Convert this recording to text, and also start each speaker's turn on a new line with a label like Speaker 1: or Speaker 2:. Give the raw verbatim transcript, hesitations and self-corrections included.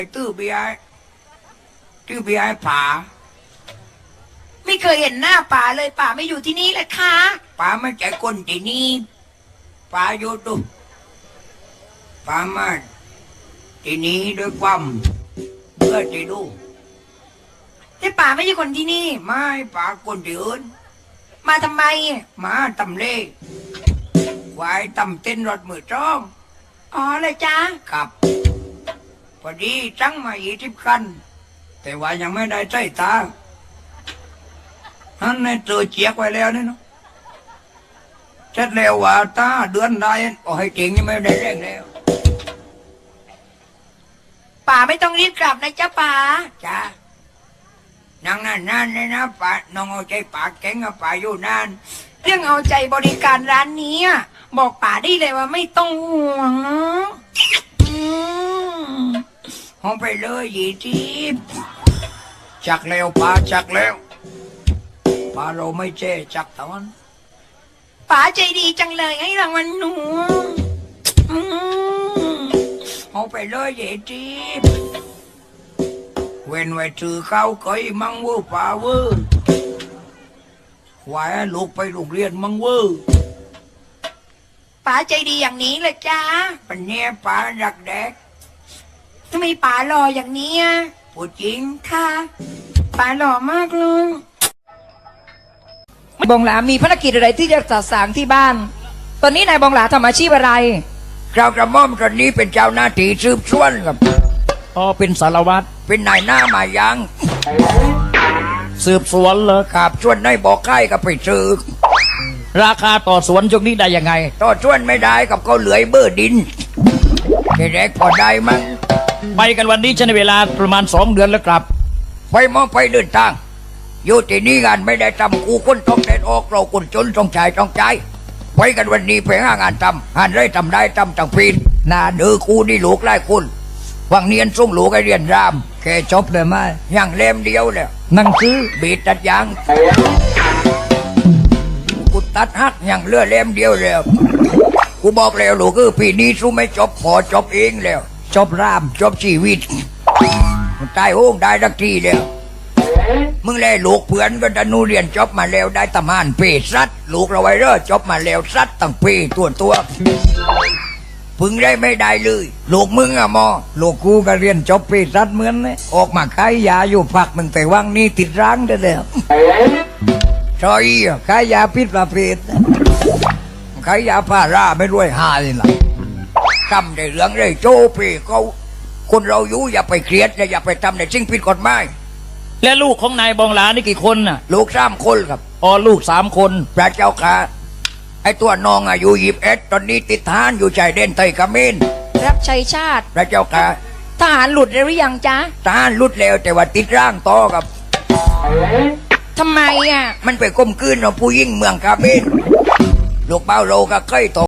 Speaker 1: ตื้อเบียร์ตื้อเบียร์ป่า
Speaker 2: ไม่เคยเห็นหน้าป่าเลยป่าไม่อยู่ที่นี่เลยค่ะ
Speaker 1: ป่าไม่ใจคนที่นี่ป่าอยู่ตุป่ามาที่นี่ด้วยความเบื่อที่ดู
Speaker 2: แต่ป่าไม่ใช่คนที่นี่
Speaker 1: ไม่ป่าคนที่อื่น
Speaker 2: มาทำไม
Speaker 1: มาตำเล่ควายตำเต้นรถมือจ้อง
Speaker 2: อ๋อเลยจ้า
Speaker 1: ครับพอดีจังมาอีทิพคันแต่ว่ายังไม่ได้ใช้ตาฮันในตัวเจียกไว้แล้วนี่เนาะเสร็จแล้วว่าตาเดือนได้โอ้ให้จริงนี่ไม่ได้แรงแล้ว
Speaker 2: ป่าไม่ต้องรีบกลับนะจ๊ะป่า
Speaker 1: จ้านั่งนานนานเลยนะป่าน้องเอาใจป่าแข็งกับป่าอยู่นาน
Speaker 2: เรื่องเอาใจบริการร้านนี้บอกป่าได้เลยว่าไม่ต้องห่วง
Speaker 1: ห้องไปเลยยีทีบจักแล้วป่าจักแล้วป่าเราไม่เจ๊จักตอน
Speaker 2: ป่าใจดีจังเลยให้รางวัลหนู
Speaker 1: ห้องไปเลยยีทีบเว้นไว้ถือเข้าเคยมังเวอร์ป่าเวอร์ควายลูกไปโรงเรียนมังเวอร์
Speaker 2: ป๋าใจดีอย่างนี้เลยจ้า
Speaker 1: ปัญญาป๋ารักแดก
Speaker 2: ทำไมป๋าหล่ออย่างนี้
Speaker 1: พูดจริง
Speaker 2: ค่ะป๋าหล่อมากเลยบองหลามีภารกิจอะไรที่จะจัดสางที่บ้านตอนนี้นายบองหลาทำอาชีพอะไร
Speaker 1: เจ้ากระหม่อมตอนนี้เป็นเจ้าหน้าที่สืบสวนครับ
Speaker 3: อ๋อเป็นสารวัตร
Speaker 1: เป็นนายหน้ามายัง
Speaker 3: สืบสวนเลย
Speaker 1: ครับชวนนายบอกใกล้กับไปสืบ
Speaker 3: ราคาต่อสวนช่วงนี้ได้ยังไง
Speaker 1: ต่อชวนไม่ได้กับเขาเหลือยเบอร์ดินแค่แรกพอได้มั้ง
Speaker 3: ไปกันวันนี้ใช้เวลาประมาณสองเดือนแล้วกลับ
Speaker 1: ไปมองไปเดินทางอยู่ที่นี่งานไม่ได้ทำกูคนต้องเดินออกเราคนจนต้องจ่ายต้องจ่ายไปกันวันนี้ไปหางานทำงานได้ทำได้ทำต่างปีนนาเดือกูนี่ลูกไล่คุณวังเนียนส่งลูกไอเรียนรามแค่จบเลยไหมยังเล่มเดียวแล้ว
Speaker 3: นั่งซื้อ
Speaker 1: บีดตัดยางกูตัดหักยังเลือเล่มเดียวแล้วกูบอกแล้วลูกคือปีนี้สู้ไม่จบพอจบเองแล้ว
Speaker 3: จบราม
Speaker 1: จบชีวิตตายโห้งได้สักทีแล้วมึงเลยลูกเพื่อนก็ดันูเรียนจบมาแล้วได้ตำหานเปซัดลูกเราไว้เร่อจบมาแล้วซัดตั้งเปตัวตัวพึงได้ไม่ได้เลยลูกมึงอะมอ
Speaker 3: ลูกกูก็เรียนจบเปซัดเหมือนเลยออกมาขายยาอยู่พักมึงแต่ว่างนี่ติดร้างได้แล้ว
Speaker 1: ชอย
Speaker 3: ขายยาพิษประเภท
Speaker 1: ขายยาพาราไม่รวยหาเลยล่ะทำในเรื่องได้โจเปเขาคนเราอยู่อย่าไปเครียดอย่าไปทำในสิ่งผิดกฎหมาย
Speaker 3: และลูกของนายบองหลานี่กี่คนน่ะ
Speaker 1: ลูกสามคนครับ
Speaker 3: อ๋อลูกสามคน
Speaker 1: พระเจ้าค่ะไอตัวน้องอายุยี่สิบเอ็ดตอนนี้ติดทหารอยู่ชายแดนไทยเขมร
Speaker 2: รับใช้ชาติ
Speaker 1: พระเจ้าค่ะ
Speaker 2: ทหารหลุดแล้วหรือยังจ๊ะ
Speaker 1: ทหารหลุดแล้วแต่ว่าติดร่างต่อครับ
Speaker 2: ทำไมอ่ะ
Speaker 1: มันไปก้มกืนเอาผู้ยิ่งเมืองเขมรลูกเป้าโลก็เคยต